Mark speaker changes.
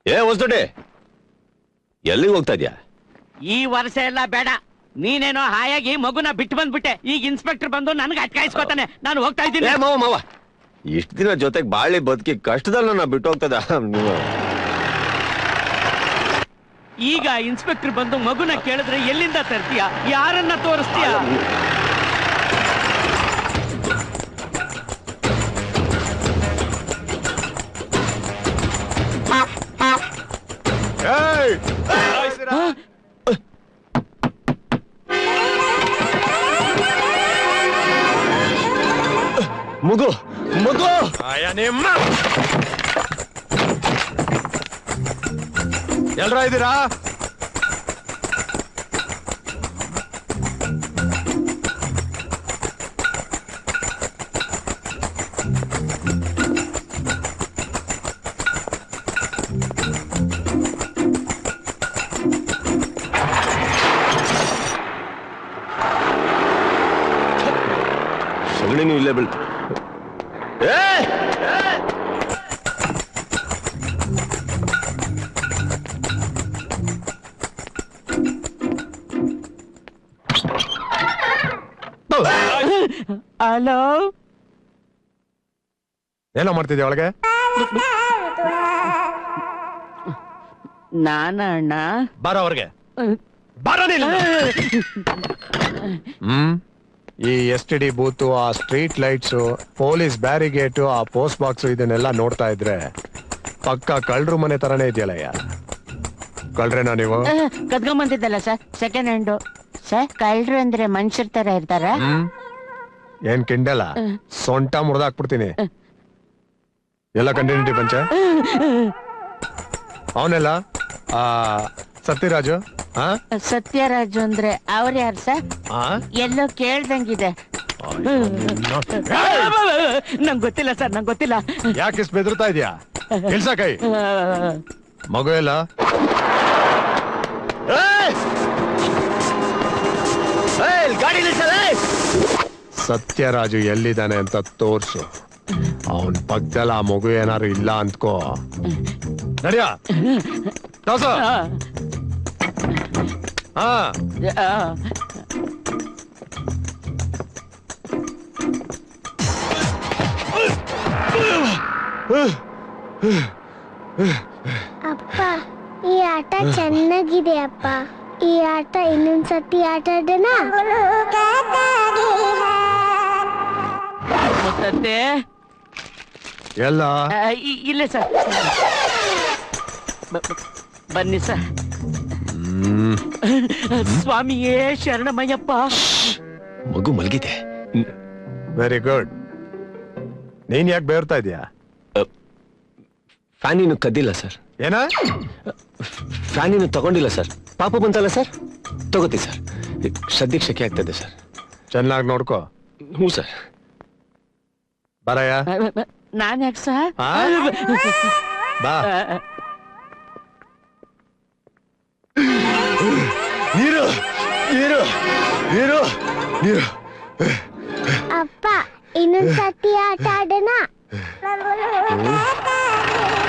Speaker 1: ಏ ಹೊಸದೊಡ್ಡಿ, ಎಲ್ಲಿಗೆ ಹೋಗ್ತಾ ಇದ್ಯಾ?
Speaker 2: ಈ ವರ್ಷ ಎಲ್ಲ ಬೇಡ, ನೀನೇನೋ ಹಾಯಾಗಿ ಮಗುನ ಬಿಟ್ಟು ಬಂದ್ಬಿಟ್ಟೆ. ಈಗ ಇನ್ಸ್ಪೆಕ್ಟರ್ ಬಂದು ನನ್ಗೆ ಅಟ್ಕಾಯಿಸ್ಕೊತಾನೆ. ನಾನು ಹೋಗ್ತಾ ಇದ್ದೀನಿ.
Speaker 1: ಮಾವ ಇಷ್ಟ ದಿನ ಜೊತೆಗೆ ಬಾಳಿ ಬದುಕಿ ಕಷ್ಟದಲ್ಲಿ ನಾ ಬಿಟ್ಟು ಹೋಗ್ತದ ನೀವು.
Speaker 2: ಈಗ ಇನ್ಸ್ಪೆಕ್ಟರ್ ಬಂದು ಮಗುನ ಕೇಳಿದ್ರೆ ಎಲ್ಲಿಂದ ತರ್ತೀಯ? ಯಾರನ್ನ ತೋರಿಸ್ತೀಯ?
Speaker 1: ಮಗು ಮಗು
Speaker 3: ಎಲ್ರ ಇದ್ದೀರಾ?
Speaker 1: ಸಗಣಿನೂ ಇಲ್ಲೇ ಬೀಳ್ತು.
Speaker 2: ಹಲೋ,
Speaker 3: ಏನೋ ಮಾಡ್ತಿದ್ಯಾ ಒಳಗೆ?
Speaker 2: ನಾನ ಅಣ್ಣ.
Speaker 3: ಬಾರ ಅವ್ರಿಗೆ. ಈ STD ಬೂತು, ಆ ಸ್ಟ್ರೀಟ್ ಲೈಟ್ಸು, ಪೊಲೀಸ್ ಬ್ಯಾರಿಗೇಟು, ಆ ಪೋಸ್ಟ್ ಬಾಕ್ಸು ಇದನ್ನೆಲ್ಲ ನೋಡ್ತಾ ಇದ್ರೆ ಪಕ್ಕ ಕಳ್ರು ಮನೆ ತರನೇ ಇದೆಯಲ್ಲಯ್ಯ. ಕಳ್ರೇನಾ ನೀವು?
Speaker 4: ಕದ್ಕೊಂಬಂದಿದ್ದಲ್ಲ ಸರ್, ಸೆಕೆಂಡ್ ಹ್ಯಾಂಡು. ಸರ್, ಕಳ್ರು ಅಂದ್ರೆ ಮನುಷ್ಯರ ತರ ಇರ್ತಾರ?
Speaker 3: ಏನ್ ಕಿಂಡಲ್ಲ, ಸೊಂಟ ಮುರಿದಾಕ್ಬಿಡ್ತೀನಿ. ಎಲ್ಲ ಕಂಟಿನ್ಯೂಟಿ ಪಂಚ. ಅವನೆಲ್ಲ ಸತ್ಯರಾಜು.
Speaker 4: ಸತ್ಯರಾಜು ಅಂದ್ರೆ ಅವ್ರ ಯಾರು ಸರ್? ಎಲ್ಲೋ ಕೇಳ್ದಂಗಿದೆ.
Speaker 2: ನಂಗೆ ಗೊತ್ತಿಲ್ಲ ಸರ್, ನಂಗೆ ಗೊತ್ತಿಲ್ಲ.
Speaker 3: ಯಾಕೆ ಇಷ್ಟು ಬೆದರ್ತಾ ಇದೆಯಾ? ಕೆಲ್ಸ ಕೈ. ಮಗು ಎಲ್ಲ ಸತ್ಯರಾಜು ಎಲ್ಲಿದ್ದಾನೆ ಅಂತ ತೋರ್ಸು. ಅವನ್ ಪಕ್ಕದಲ್ಲಿ ಆ ಮಗು ಏನಾರು ಇಲ್ಲ ಅಂದ್ಕೋ. ನಡಿಯ ಹಾ.
Speaker 5: ಅಪ್ಪ, ಈ ಆಟ ಚೆನ್ನಾಗಿದೆ ಅಪ್ಪ. ಈ ಆಟ ಇನ್ನೊಂದ್ಸತಿ ಆಟ ಆಡೋಣ.
Speaker 2: ಮುತ್ತತ್ತೆ
Speaker 3: ಎಲ್ಲ
Speaker 2: ಇಲ್ಲ ಸರ್, ಬನ್ನಿ ಸರ್. ಸ್ವಾಮಿಯೇ ಶರಣಮಯ್ಯಪ್ಪ.
Speaker 1: ಮಗು ಮಲಗಿದೆ.
Speaker 3: Very good. ನೀನ್ ಯಾಕೆ ಬೇರ್ತಾ ಇದೀಯಾ?
Speaker 1: ಫ್ಯಾನಿನ ಕದ್ದಿಲ್ಲ ಸರ್.
Speaker 3: ಏನ?
Speaker 1: ಫ್ಯಾನಿನ ತಗೊಂಡಿಲ್ಲ ಸರ್. ಪಾಪ ಬಂತಲ್ಲ ಸರ್, ತಗೋತಿ ಸರ್. ಸದ್ಯಕ್ಕೆ ಶೆಕೆ ಆಗ್ತದೆ ಸರ್.
Speaker 3: ಚೆನ್ನಾಗಿ ನೋಡ್ಕೋ.
Speaker 1: ಹ್ಞೂ ಸರ್.
Speaker 4: ಬರಯ್ಯ. ನಾನ್ ಯಾಕೆ ಸರ್?
Speaker 3: ಬಾ. ನೀರು ನೀರು ನೀರು ನೀರು.
Speaker 5: ಅಪ್ಪ, ಇನ್ನೊಂದ್ಸತಿ ಆಟ ಆಡೋಣ.